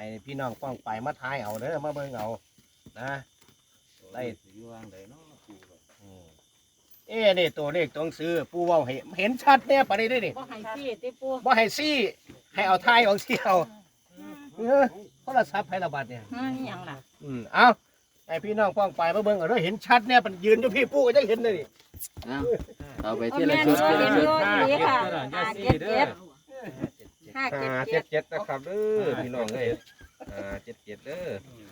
ให้พี่น้องป้องไปมาทายเอาเด้อมาเบิ่งเอานะได้นี่ตัวเลขต้องซื้อปูเว้าเห็นชัดเนี่ยปานนี้ได้นี่บ่ให้ซี่ติปูบ่ให้ซี่ให้เอาทายเอาเสียวโทรศัพท์ให้ระบาดเนี่ยอีหยังล่ะเอาให้พี่น้องป้องไปมาเบิ่งเอาเด้อเห็นชัดเนี่ยมันยืนอยู่พี่ปูก็จะเห็นเลยนี่เอาไปที่ละชุดที่ละชุดนี่ค่ะ577 นะครับเด้อพี่น้องเอ้ย77เด้อ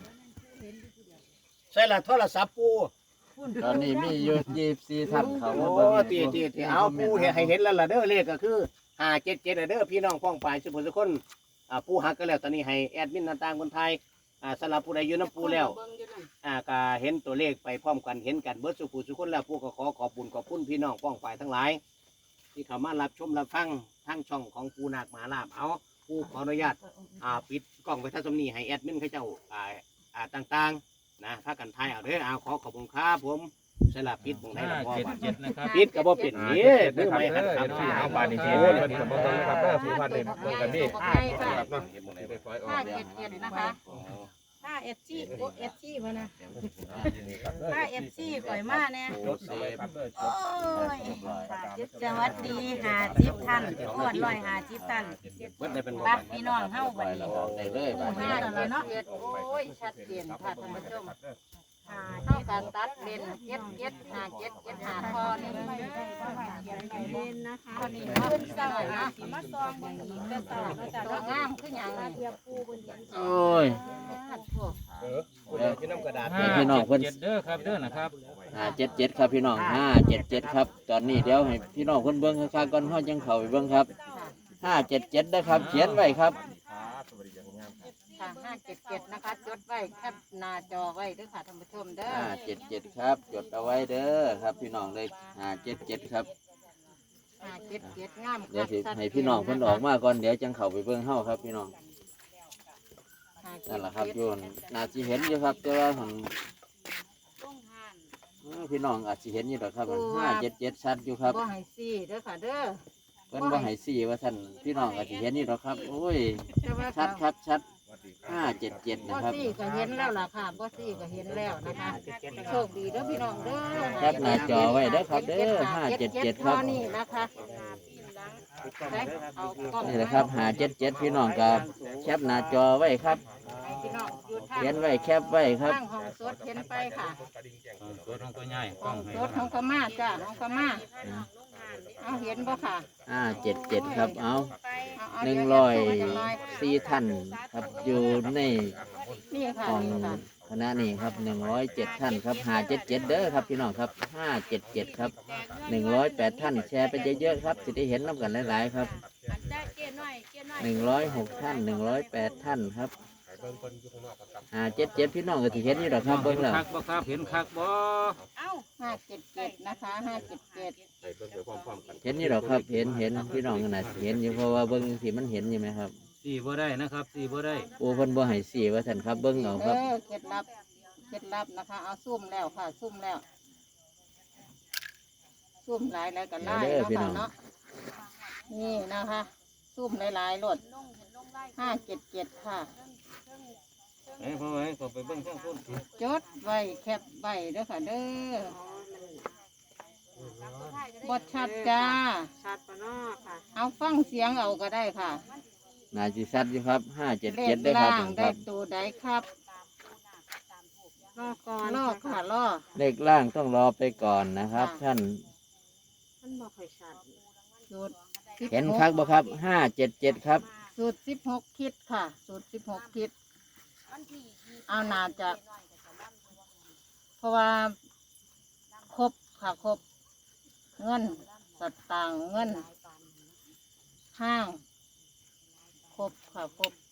ใช่ละโทรศัพท์ปูตอนนี้มีอยู่24ท่านเขาโอ้มาเบิ่งตีเอาปูให้เห็นแล้วล่ะเด้อเลขก็คือ577เด้อพี่น้องป้องไปสุขคนปูหักก็แล้วตอนนี้ให้แอดมินต่างๆคนไทยสำหรับผู้ใดอยู่น้ำปูแล้วก็เห็นตัวเลขไปพร้อมกันเห็นกันเบิดสุขสุขคนแล้วปูก็ขอขอบบุญขอบคุณพี่น้องป้องไปทั้งหลายที่เข้ามารับชมรับฟังทั้งช่องของปูนาคมหาลาภเอาปูขออนุญาตปิดกล้องไปท่าสมนีให้แอดมินเขาเจ้าต่างๆนะถ้ากันไทยเอาเด้อขอขอบคุณครับผมสลับปิดตรงไหนละพ่อบ้าน 77นะครับปิดก็บ่เป็นนี่มือไม่หันคครัรับบ เอาบาดนี้เห็นเพิ่นก็บ่ต้องนะครับเด้อผู้พันเด้เบิ่งกันนี่ครับเนาะไปปล่อยออก 577นะคะ5FC โอ้ FC บ่นะ5FC ปล่อยมาแน่รถเอาไว้ครับเด้อโอ้ยสวัสดี50ท่านโอ้150ท่านเบิดได้เป็นบ่บักพี่น้องเฮาบัดนี้ได้เลยบาดนี้ 5เนาะโอ้ยชัดเจนค่ะท่านผู้ชมเท่ากับตัดเป็น775พอนี่เล่นนะคะพอนี่ขึ้นซอยนะมาซองเบิ่งอีกแต่ซอยตัวงามคือหยังนี่โอ้ยที่น้ำกระดาษให้พี่น้องเพิ่นเด้อครับเด้อนะครับ 577ครับพี่น้อง577ครับตอนนี้เดี๋ยวให้พี่น้องเพิ่นเบิ่งคักๆก่อนเฮาจังเข้าไปเบิ่งครับ577นะครับเขียนไว้ครับค่ะ577นะคะจดไว้แคปหน้าจอไว้เด้อค่ะท่านผู้ชมเด้อ 577ครับจดเอาไว้เด้อครับพี่น้องเลย577ครับ 577งามเดี๋ยวสิให้พี่น้องเพิ่นออกมาก่อนเดี๋ยวจังเข้าไปเบิ่งเฮาครับพี่น้องนั่นแหละครับโยนน่าสิเห็นอยู่ครับแต่ว่าหั่นพี่น้องอาจสิเห็นอยู่ดอกครับ577ชัดอยู่ครับบ่ให้ซี่เด้อค่ะเด้อเพิ่นบ่ให้สี่ว่าท่านพี่น้องอาจสิเห็นอยู่ดอกครับโอ้ยแต่ว่าชัดครับชัด577 บ่นะครับซี่ก็เห็นแล้วล่ะค่ะบ่ซี่ก็เห็นแล้วนะคะโชคดีเด้อพี่น้องเด้อแคปหน้าจอไว้เด้อครับเด้อ577ครับนี่นะคะได้เอากล้องนี่แหละครับ577พี่น้องกับแคปหน้าจอไว้ครับให้พี่น้องอยู่ทางเขียนไว้แคปไว้ครับทางห้องสดเห็นไปค่ะตัวน้องตัวใหญ่กล้ห้ออง งให้สดห้องกม่าจ้าห้องกม่าเอาเห็นบ่ค่ะ 577ครับเอาเอา 104ท่านครับอยู่ในนี่ค่ะของนี่ค่ะคณะนี้ครับ107ท่านครับ577เด้อครับพี่น้องครับ577ครับ108ท่านแชร์ไปเยอะๆครับสิได้เห็นน้ำกันหลายๆครับ106ท่าน108ท่านครับ577พี่น้องก็สิเห็นอยู่ดอกครับเบิ่งแล้วคักบ่ครับเห็นคักบ่ 577นะคะ577 ไปเบิ่งไปพร้อมๆกันเห็นอยู่ดอกครับเห็นพี่น้องก็น่าสิเห็นอยู่เพราะว่าเบิ่งสิมันเห็นอยู่ไหมครับสี่บ่ได้นะครับสี่บ่ได้โอ้เพิ่นบ่ให้สี่ว่าท่านครับเบิ่งเอาครับเคล็ดลับนะคะ เอาซุ่มแล้วค่ะ ซุ่มแล้ว ซุ่มหลายแล้วกันไล่เด้อเนาะพี่น้ค่ะองเนาะนี่นะคะ ซุ่มหลายๆรถ577ค่ะเอ้ยพ่อเอ้ยก็ไปเบิ่งข้างพุ่นจดไว้แคปไว้เด้อค่ะเด้อบดชัดจ้าชัดปะเนาะค่ะเอาฟังเสียงเอาก็ได้ค่ะน่าสิชัดอยู่ครับเลข 577ได้อครัล่าบงคได้รับตัวใดครับรอก่อนล่อค่ะล่อเลขล่างต้องรอไปก่อนนะครับค่ะท่านมันบ่ค่อยชัดสูตรเห็นคักบ่ครับ577ครับสูตร16คิดค่ะ สูตร16คิด เอานาจะ เพราะว่าครบค่ะครบ เงินสตางค์เงิน ห้าง ครบค่ะครบ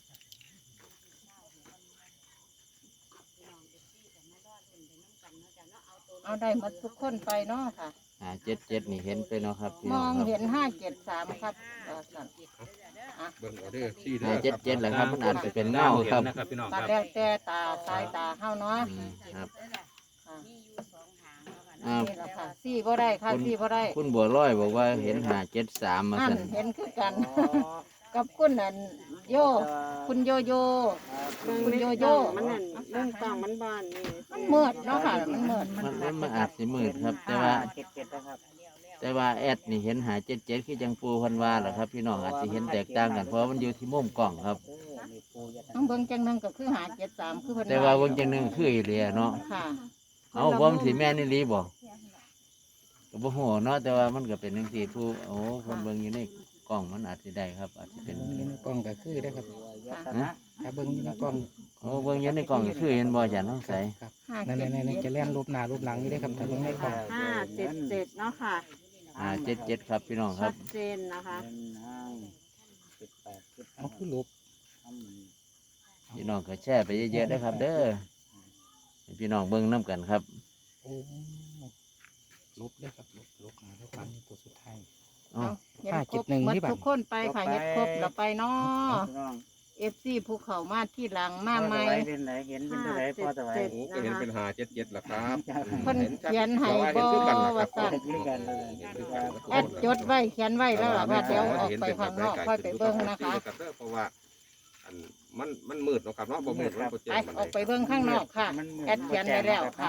เอาได้หมดทุกคนไปเนาะค่ะ 577นี่เห็นไปเนาะครับพี่มน้ออง งครับเห็น573ครับสั่นเบิ่งเอาเด้อสี่เด้อ 577แหละครับมันอาจจะเป็นเงาครับนะครับพี่น้องตัคดรับแล้วแต่ตาสายตาเฮาเนาะครับค่ะอ้าวนี่แหละค่ะซี่บ่ได้ค่ะซี่บ่ได้คุณบัวลอยบอกว่าเห็น573มานั่นสั่นเห็นคือกันกับคุณอันโยคุณโยโย่เบิ่งคุณในโยกโย่ล่องมันนั่นเรื่องกล่องมันบานนี่มันมืดเนาะค่ะมันมืดมันอาจสิมืดครับ แต่ว่าแอดนี่เห็น577คือจังปูเพันว่าแหละครับพี่น้องอาจสิเห็นแตกต่างกันเพราะมันอยู่ที่มุมกล้องครับน้องเบิ่งจังหนึงก็คือ573คือเพิ่นแต่ว่าเบิ่งจังหนึงคืออีหลีเนาะค่ะเอาบ่มันสิแม่นอีหลีบ่ก็บ่ฮู้เนาะแต่ว่ามันก็เป็นจังซี่ผู้โอ้เพิ่นเบิ่งอยู่ในกล้องมันอาจสิได้ครับ อาจสิเป็นกล้องก็คือได้ครับนะถ้าเบิ้งอยู่ในกล้องโอ้เบิ่งอยู่ในกล้องก็คือเห็นบ่จ้ะน้องใสครับนั่นจะแล่นรูปหน้ารูปหลังนี่ได้ครับถ้าเบิ้งในกล้อง 577เนาะค่ะ 577ครับพี่น้องคชัรับดเจนนะคะเอาคือรูปพี่น้องก็แชร์ไปเยอะๆนะครับ เด้อให้พี่น้องเบิ่งนํกันครับโอ้รูปได้ครับรูปหน้ารูปหลังนี่ตัวสุดท้ายเอ้าเฮ็ดครบหมดทุกคนไปค่ะเฮ็ดครบแล้วไปเนาะ FC ภูเขามาที่หลังมาใหม่ 577 ก็นะเห็นคะเป็น577ล่ะครับเพิ่นเขียนให้บ่ว่าซั่นแอดจดไว้เขียนไว้แล้วล่ะว่าเดี๋ยวออกไปข้างนอกค่อยไปเบิ่งนะคะเพราะว่าอันมันมืดเนาะครับเนาะบ่มืดมันบ่แจ้ไปงมันออกไปเบิ่งข้างนอกค่ะ แอดเขียนไว้แล้วค่ะ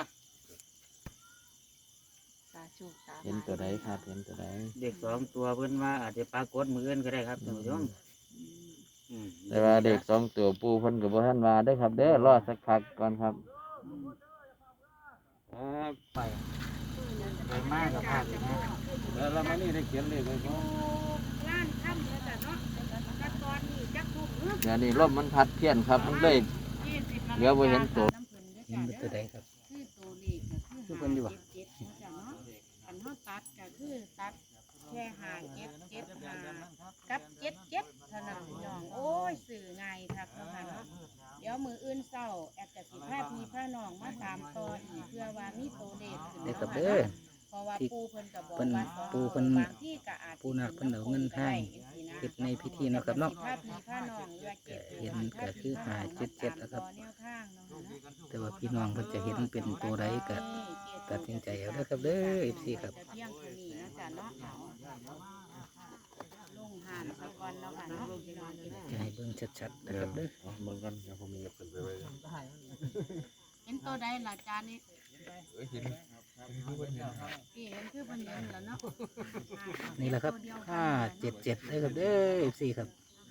เห็นตัวใดครับเห็นตัวใดเด็ก2 ตัวเพิ่นว่าอาจจะปรากฏมืออื่นก็ได้ครับท่านผู้ชมแต่ว่าเด็ก2 ตัวปูเพิ่นก็บ่ทันว่าเด้อครับ เด้อรอสักพักก่อนครับไปมากกับภาคเลยนะแล้วเรามานี่ได้เขียนเลขไว้บ่ร้านค่ำแล้วจ้ะเนาะแต่ตอนนี้จักทุ่มเนาะเดี๋ยวนี้ลมมันพัดเพี้ยนครับมันเลย 20 เหลือบ่เห็นตัวเห็นเป็นตัวใดครับคือตัวเลขก็คือคือเพิ่นอยู่บ่ 577เนาะจ้ะเนาะอันเฮาตัดก็คือตัดแค่577กับ77เท่านั้นพี่น้องโอ้ยสื่อง่ายคักเนาะค่ะเนาะเดี๋ยวมื้ออื่นเช้าแอดจะสิพาพี่พาน้องมาตามต่ออีกเพื่อว่ามีตัวเลขขึ้นเด็กเนาะกับค่ะเด้อเนาะ เพราะว่าปูเพิ่นก็บอกเพิ่นว่าปูเพิ่นบางที่ก็อาจปูนาคเพิ่นเอาเงินให้เฮ็ดในพิธีเนาะครับเนาะผ้าพีผ้านองเรือเก็บเห็นก็คือ577แล้วครับแนวข้างเนาะค่ะเนาะแต่ว่าพี่น้องเพิ่นจะเห็นเป็นตัวใดก็ตัดสินใจเอาเด้อครับเด้อ FC ครับแต่เพียงตัวนี้เนาะจ้ะเนาะลงหานสะก่อนเนาะค่ะเนาะพี่น้องจะให้เบิ่งชัดๆนะครับเด้อเบิ่งกันเดี๋ยวผมมีขึ้นไปไว้เห็นตัวใดล่ะจานนี้เห็นพี่เห็นคือเพิ่นเห็นแล้วเนาะนี่แหละครับ577เด้อครับเด้อ FC ครับ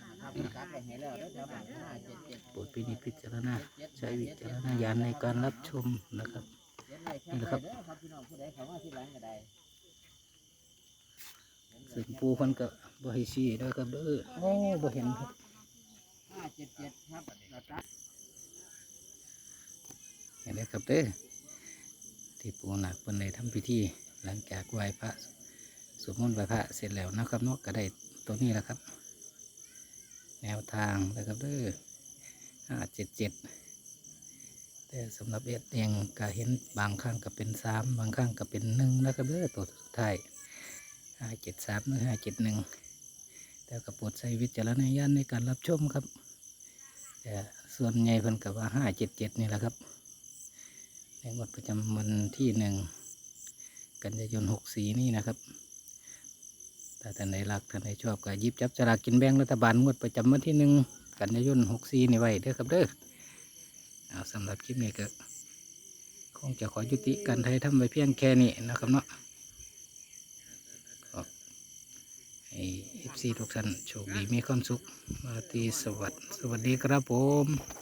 โปรดพินิจพิจารณาใช้วิจารณญาณในการรับชมนะครับนี่แหละครับซึ่งปูเพิ่นก็บ่ให้ชี้เด้อครับเด้อโอ้บ่เห็นครับ 577ครับเห็นไหมครับเด้อที่ปูหนักเพิ่นได้ทำพิธีหลังจากไหว้พระสวดมนต์ไหว้พระเสร็จแล้วนะครับเนาะก็ได้ตัวนี้แหละครับ แนวทางนะครับเด้อ577แต่สำหรับเอ็ดเองก็เห็นบางครั้งก็เป็น3บางครั้งก็เป็น1นะครับเด้อตัวสุดท้าย573หรือ571แต่ก็โปรดใช้วิจารณญาณในการรับชมครับแต่ส่วนใหญ่เพิ่นก็ว่า577นี่แหละครับในงวดประจำวันที่1 กันยายน64นี่นะครับถ้าท่านใดรักท่านใดชอบก็หยิบจับสลากกินแบ่งรัฐบาลงวดประจำวันที่1 กันยายน64นี่ไว้เด้อครับเด้อเอาสำหรับคลิปนี้ก็คงจะขอยุติการไทยทำไว้เพียงแค่นี้นะครับเนาะขอให้ FC ทุกท่านโชคดีมีความสุขมาตีสวัสดีครับผม